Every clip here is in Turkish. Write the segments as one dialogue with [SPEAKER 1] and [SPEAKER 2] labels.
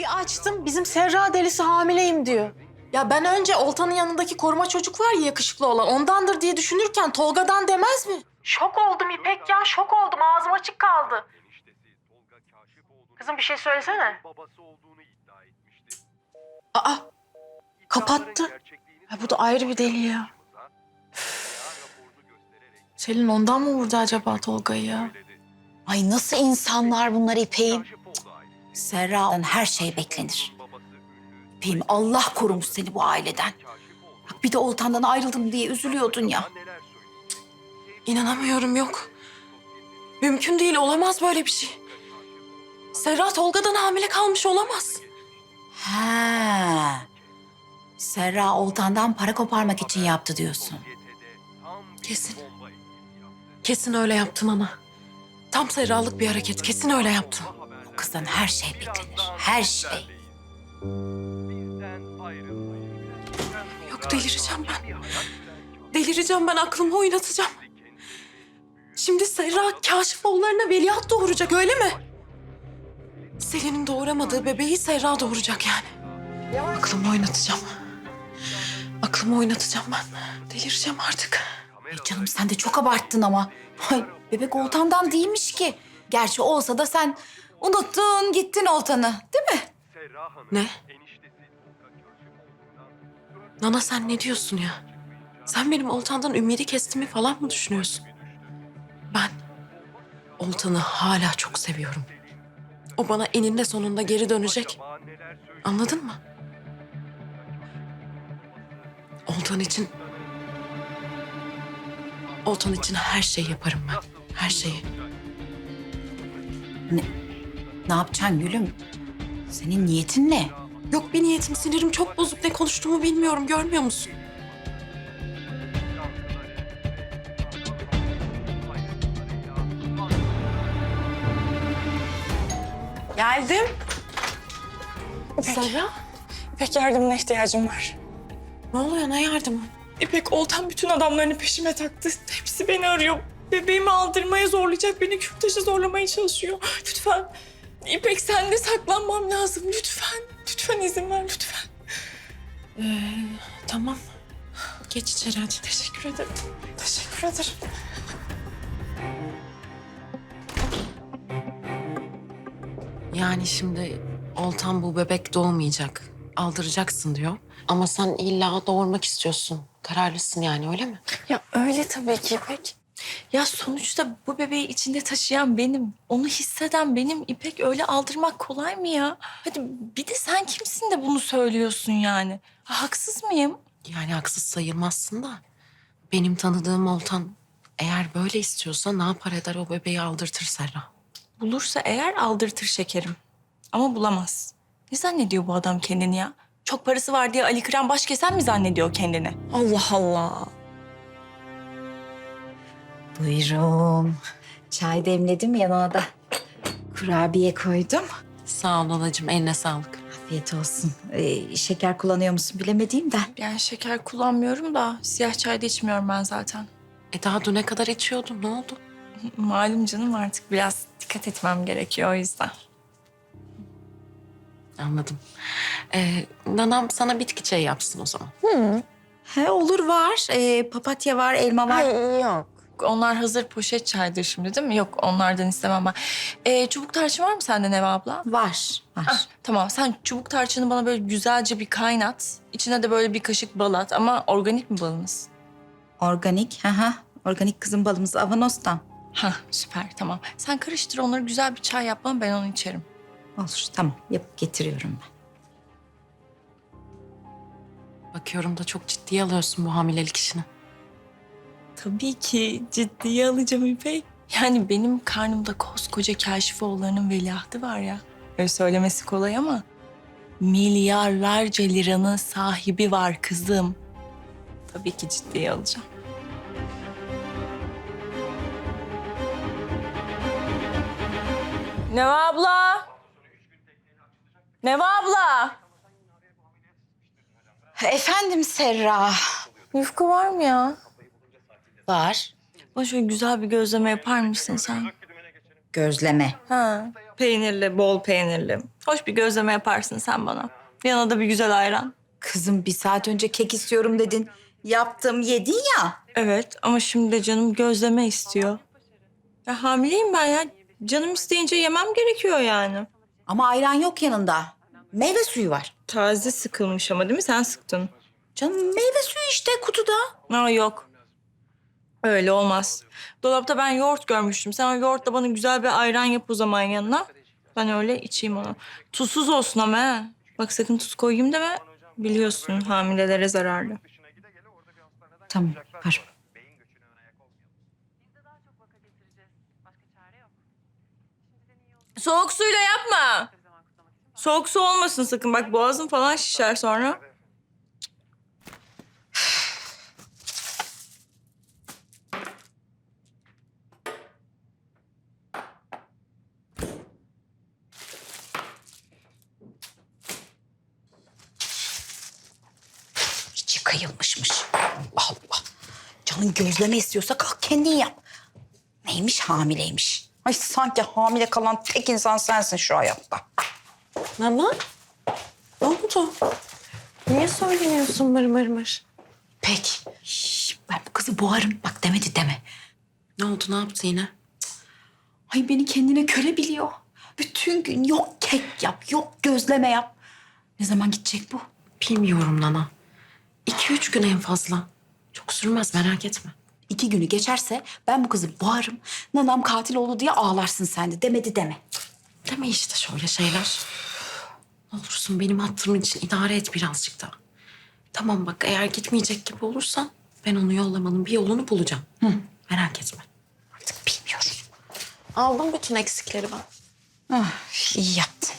[SPEAKER 1] Bir açtım, bizim Serra delisi hamileyim diyor. Ya ben önce Oltan'ın yanındaki koruma çocuk var ya, yakışıklı olan, ondandır diye düşünürken Tolga'dan demez mi? Şok oldum İpek ya, şok oldum. Ağzım açık kaldı. Kızım bir şey söylesene. Aa, kapattı. Ha, bu da ayrı bir deli ya. Selin ondan mı vurdu acaba Tolga'yı ya?
[SPEAKER 2] Ay nasıl insanlar bunlar İpek'im? Serra'dan her şey beklenir. İpek'im Allah korumuş seni bu aileden. Bak bir de Oltan'dan ayrıldım diye üzülüyordun ya.
[SPEAKER 1] İnanamıyorum, yok. Mümkün değil, olamaz böyle bir şey. Serra Tolga'dan hamile kalmış olamaz.
[SPEAKER 2] He. Serra Oltan'dan para koparmak için yaptı diyorsun.
[SPEAKER 1] Kesin. Kesin öyle yaptım ama. Tam Serra'lık bir hareket, kesin öyle yaptım.
[SPEAKER 2] O kızdan her şey beklenir. Her şey.
[SPEAKER 1] Yok, delireceğim ben. Delireceğim ben, aklımı oynatacağım. Şimdi Serra Kaşifoğullarına veliaht doğuracak, öyle mi? Selin'in doğuramadığı bebeği Serra doğuracak yani. Aklımı oynatacağım. Aklımı oynatacağım ben. Delireceğim artık.
[SPEAKER 2] Ay canım sen de çok abarttın ama. Ay, bebek Oltan'dan değilmiş ki. Gerçi olsa da sen unuttun gittin Oltan'ı değil mi?
[SPEAKER 1] Ne? Nana sen ne diyorsun ya? Sen benim Oltan'dan ümidi kestiğimi falan mı düşünüyorsun? Ben Oltan'ı hala çok seviyorum. O bana eninde sonunda geri dönecek. Anladın mı? Oltan için... Oltan için her şeyi yaparım ben. Her şeyi.
[SPEAKER 2] Ne yapacaksın gülüm? Senin niyetin ne?
[SPEAKER 1] Yok bir niyetim, sinirim çok bozuk. Ne konuştuğumu bilmiyorum, görmüyor musun? Geldim. Serra,
[SPEAKER 3] İpek yardımına ihtiyacım var.
[SPEAKER 1] ne oluyor, ne yardımı?
[SPEAKER 3] İpek Oltan bütün adamlarını peşime taktı. Hepsi beni arıyor. Bebeğimi aldırmaya zorlayacak, beni kürtaşa zorlamaya çalışıyor. Lütfen. İpek sen de saklanmam lazım. Lütfen. Lütfen izin ver lütfen.
[SPEAKER 1] Tamam. Geç içeri hadi.
[SPEAKER 3] Teşekkür ederim. Teşekkür ederim.
[SPEAKER 1] Yani şimdi Oltan bu bebek doğmayacak, aldıracaksın diyor. Ama sen illa doğurmak istiyorsun. Kararlısın yani, öyle mi?
[SPEAKER 3] Ya öyle tabii ki İpek. Ya sonuçta bu bebeği içinde taşıyan benim. Onu hisseden benim. İpek öyle aldırmak kolay mı ya? Hadi bir de sen kimsin de bunu söylüyorsun yani? Ha, haksız mıyım?
[SPEAKER 1] Yani haksız sayılmazsın da. Benim tanıdığım Oltan eğer böyle istiyorsa ne yapar eder o bebeği aldırtır Serra.
[SPEAKER 3] Bulursa eğer aldırtır şekerim. Ama bulamaz. Ne zannediyor bu adam kendini ya? Çok parası var diye Ali Kıran baş kesen mi zannediyor kendini? Allah Allah.
[SPEAKER 2] Buyurun. Çay demledim yanına da kurabiye koydum.
[SPEAKER 1] Sağ ol anacığım, eline sağlık.
[SPEAKER 2] Afiyet olsun. Şeker kullanıyor musun bilemediğim de.
[SPEAKER 3] Yani şeker kullanmıyorum da siyah çay da içmiyorum ben zaten.
[SPEAKER 1] Daha düne kadar içiyordun, ne oldu?
[SPEAKER 3] Malum canım artık biraz dikkat etmem gerekiyor o yüzden.
[SPEAKER 1] Anladım. Nanam sana bitki çayı yapsın o zaman.
[SPEAKER 2] He olur var. Papatya var, elma var.
[SPEAKER 3] Yok. Onlar hazır poşet çaydır şimdi değil mi? Yok onlardan istemem ben. Çubuk tarçın var mı sende Neva abla?
[SPEAKER 2] Var, var.
[SPEAKER 3] Ah, tamam sen çubuk tarçını bana böyle güzelce bir kaynat. İçine de böyle bir kaşık bal at ama organik mi balınız?
[SPEAKER 2] Organik, ha. Organik kızım balımız Avanos'tan.
[SPEAKER 3] Ha süper tamam. Sen karıştır onları güzel bir çay yap bana ben onu içerim.
[SPEAKER 2] Olur, tamam. Yapıp getiriyorum ben.
[SPEAKER 1] Bakıyorum da çok ciddiye alıyorsun bu hamilelik işini.
[SPEAKER 3] Tabii ki ciddiye alacağım İpek. Yani benim karnımda koskoca Kaşifoğulları'nın veliahtı var ya. Öyle söylemesi kolay ama milyarlarca liranın sahibi var kızım. Tabii ki ciddiye alacağım. Neva abla! Neva abla!
[SPEAKER 2] Efendim Serra.
[SPEAKER 3] Yufka var mı ya?
[SPEAKER 2] Var.
[SPEAKER 3] Bana şöyle güzel bir gözleme yapar mısın sen?
[SPEAKER 2] Gözleme.
[SPEAKER 3] Ha, peynirli, bol peynirli. Hoş bir gözleme yaparsın sen bana. Yanına da bir güzel ayran.
[SPEAKER 2] Kızım 1 saat önce kek istiyorum dedin. Yaptım, yedin ya.
[SPEAKER 3] Evet ama şimdi de canım gözleme istiyor. Ya hamileyim ben ya. Canım isteyince yemem gerekiyor yani.
[SPEAKER 2] Ama ayran yok yanında. Meyve suyu var.
[SPEAKER 3] Taze sıkılmış ama değil mi? Sen sıktın.
[SPEAKER 2] Canım meyve suyu işte kutuda.
[SPEAKER 3] Aa, yok. Öyle olmaz. Dolapta ben yoğurt görmüştüm. Sen o yoğurtla bana güzel bir ayran yap o zaman yanına. Ben öyle içeyim onu. Tuzsuz olsun ama he. Bak sakın tuz koyayım deme. Biliyorsun hamilelere zararlı.
[SPEAKER 2] Tamam, var.
[SPEAKER 3] Soğuk suyla yapma. Soğuk su olmasın sakın. Bak boğazın falan şişer sonra.
[SPEAKER 2] İçi kıyılmışmış. Allah Allah. Canın gözleme istiyorsa kalk kendin yap. Neymiş hamileymiş. Ay sanki hamile kalan tek insan sensin şu hayatta.
[SPEAKER 1] Nana, ne oldu? Niye söyleniyorsun mır mır mır?
[SPEAKER 2] Peki. Ben bu kızı boğarım. Bak demedi deme.
[SPEAKER 1] Ne oldu, ne yaptı yine?
[SPEAKER 2] Ay beni kendine köle biliyor. Bütün gün yok kek yap, yok gözleme yap. Ne zaman gidecek bu?
[SPEAKER 1] Bilmiyorum Nana. 2-3 gün en fazla. Çok sürmez, merak etme.
[SPEAKER 2] 2 günü geçerse ben bu kızı boğarım. Nanam katil oldu diye ağlarsın sen de. Demedi deme.
[SPEAKER 1] Deme işte şöyle şeyler. Ne olursun benim hatırım için idare et birazcık daha. Tamam bak, eğer gitmeyecek gibi olursan ben onu yollamanın bir yolunu bulacağım. Merak etme.
[SPEAKER 2] Artık bilmiyorum.
[SPEAKER 1] Aldım bütün eksikleri ben.
[SPEAKER 2] Ah, iyi yaptın.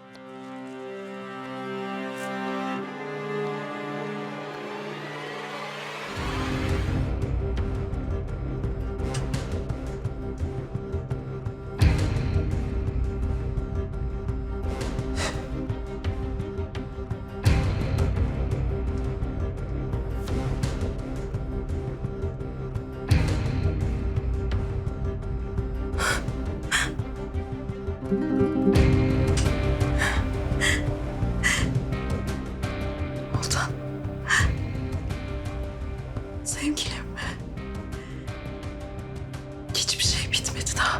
[SPEAKER 1] Oltan. Sevgilim. Hiçbir şey bitmedi daha.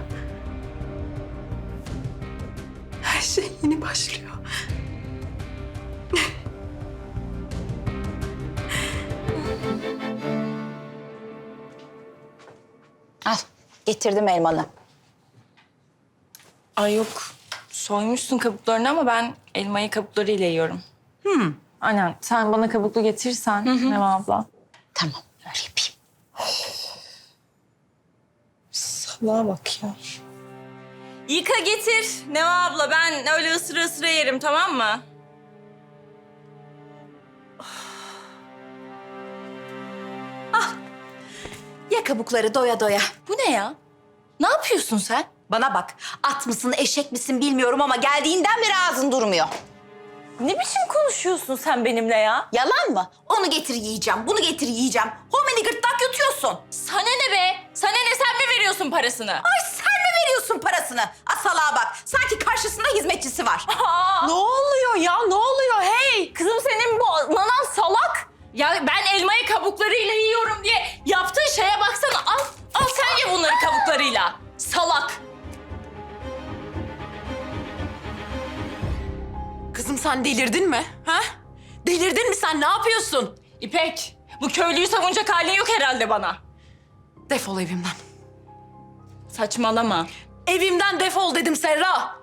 [SPEAKER 1] Her şey yeni başlıyor.
[SPEAKER 2] Al getirdim elmanı.
[SPEAKER 3] Ay yok. Soymuşsun kabuklarını ama ben elmayı kabuklarıyla yiyorum. Aynen. Sen bana kabuklu getirirsen Neva abla.
[SPEAKER 2] Tamam öyle yapayım.
[SPEAKER 3] Salağa bak ya. Yıka getir Neva abla. Ben öyle ısıra ısıra yerim tamam mı?
[SPEAKER 2] Ye kabukları doya doya.
[SPEAKER 3] Bu ne ya? Ne yapıyorsun sen?
[SPEAKER 2] Bana bak at mısın eşek misin bilmiyorum ama geldiğinden beri ağzın durmuyor.
[SPEAKER 3] Ne biçim konuşuyorsun sen benimle ya?
[SPEAKER 2] Yalan mı? Onu getir yiyeceğim, bunu getir yiyeceğim. Homini gırtlak yutuyorsun.
[SPEAKER 3] Sana ne be? Sana ne, sen mi veriyorsun parasını?
[SPEAKER 2] Ay sen mi veriyorsun parasını? Asalağa bak. Sanki karşısında hizmetçisi var.
[SPEAKER 3] Ne oluyor ya? Ne oluyor? Hey! Kızım senin bu nanan salak. Ya ben elmayı kabuklarıyla yiyorum diye yaptığın şeye baksana. Al sen ye bunları kabuklarıyla. Salak.
[SPEAKER 1] Kızım sen delirdin mi? Ha? Delirdin mi sen? Ne yapıyorsun?
[SPEAKER 3] İpek, bu köylüyü savunacak halin yok herhalde bana.
[SPEAKER 1] Defol evimden.
[SPEAKER 3] Saçmalama.
[SPEAKER 1] Evimden defol dedim Serra.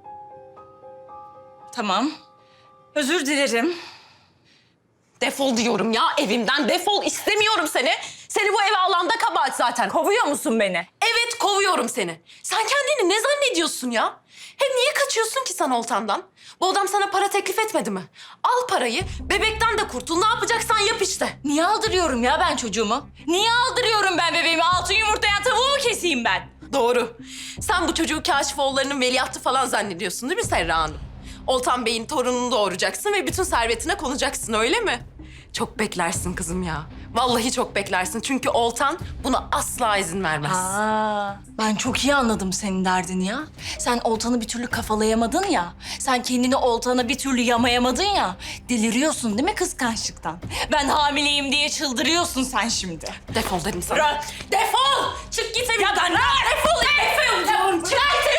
[SPEAKER 3] Tamam. Özür dilerim.
[SPEAKER 1] Defol diyorum ya, evimden defol. İstemiyorum seni. Seni bu eve alan da kabahat zaten.
[SPEAKER 3] Kovuyor musun beni?
[SPEAKER 1] Evet, kovuyorum seni. Sen kendini ne zannediyorsun ya? Hem niye kaçıyorsun ki sen Oltan'dan? Bu adam sana para teklif etmedi mi? Al parayı, bebekten de kurtul. Ne yapacaksan yap işte.
[SPEAKER 3] Niye aldırıyorum ya ben çocuğumu? Niye aldırıyorum ben bebeğimi? Altın yumurtlayan tavuğu mu keseyim ben?
[SPEAKER 1] Doğru. Sen bu çocuğu Kaşifoğulları'nın veliahtı falan zannediyorsun değil mi Serra Hanım? Oltan Bey'in torununu doğuracaksın ve bütün servetine konacaksın öyle mi? Çok beklersin kızım ya. Vallahi çok beklersin. Çünkü Oltan buna asla izin vermez.
[SPEAKER 3] Ben çok iyi anladım senin derdini ya. Sen Oltan'ı bir türlü kafalayamadın ya. Sen kendini Oltan'a bir türlü yamayamadın ya. Deliriyorsun değil mi kıskançlıktan? Ben hamileyim diye çıldırıyorsun sen şimdi.
[SPEAKER 1] Defol dedim sana.
[SPEAKER 3] Bırak! Defol! Çık git evimden! Ya ben defol! Defol! Çık git